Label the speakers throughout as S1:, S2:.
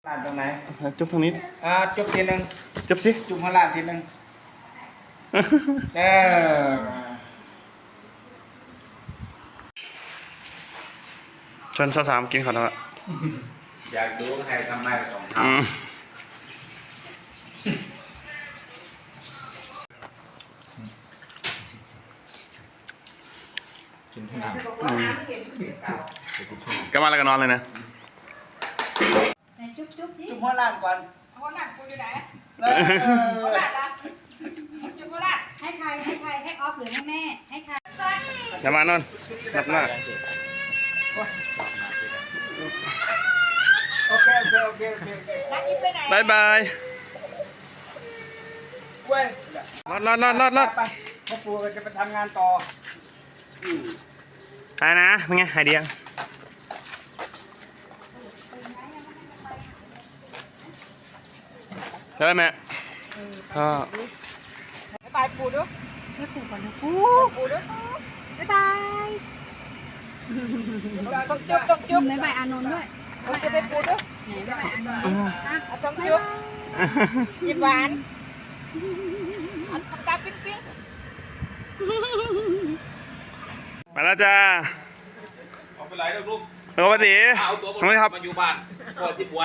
S1: ลานตรงไหน
S2: จุ๊บทางนี้
S1: จุ๊บทีนึง
S2: จุ๊บสิ
S1: จุ๊บข้างล่างทีนึง
S2: ชวนสาวๆกินขอโทษ
S1: อยากดูใครทำไมต้องทำกินที่น้ำ
S2: ก็มาแล้วก็นอนเลยนะ
S1: จุ๊บข้างล่างก่อน
S3: ข้างหลังกูอยู่ไหนข้างหลังนะจุ๊บข้างหลังให้ใครให้ออฟหรือให้แม่ให้ใคร
S2: อย่ามานอนหลับหน้า
S1: โอเค
S3: นัดยิ้มไปไหน
S2: บายบาย
S1: เว้ย
S2: รอด
S1: ไปพ่อปู่จะไปทำงานต่อ
S2: ไปนะเป็นไงหายดียังได้ไหมก็
S3: บ๊ายบายปู่ด้วยให้ปู่ก่อนนะปู่ด้วยบ๊ายบายต้องจุ๊บบ๊ายบายอานนท์ด้วยต้องจุ๊บให้ปู่ด้วยบ๊ายบายอานนท์ต้องจุ๊บยิ้มหวานทำตาปิ๊ง
S2: มาแล้วจ้า
S4: เอาไปไหนลูก
S2: สวัสดีทำไมครับ
S4: มาอยู่บ้านพ่อที่บวช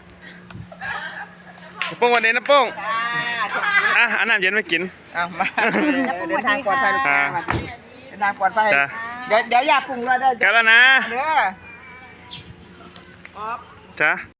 S2: ป้งวันนี้นะป้งอันน้ำเย็นไม่กิน
S3: มาเดินทางปลอดภัยลูกค้าเดินทางปลอดภัยเดี๋ยวอย่าปรุงเลยเด้อ
S2: กันแล้วนะ
S3: เด้อ
S2: จ้า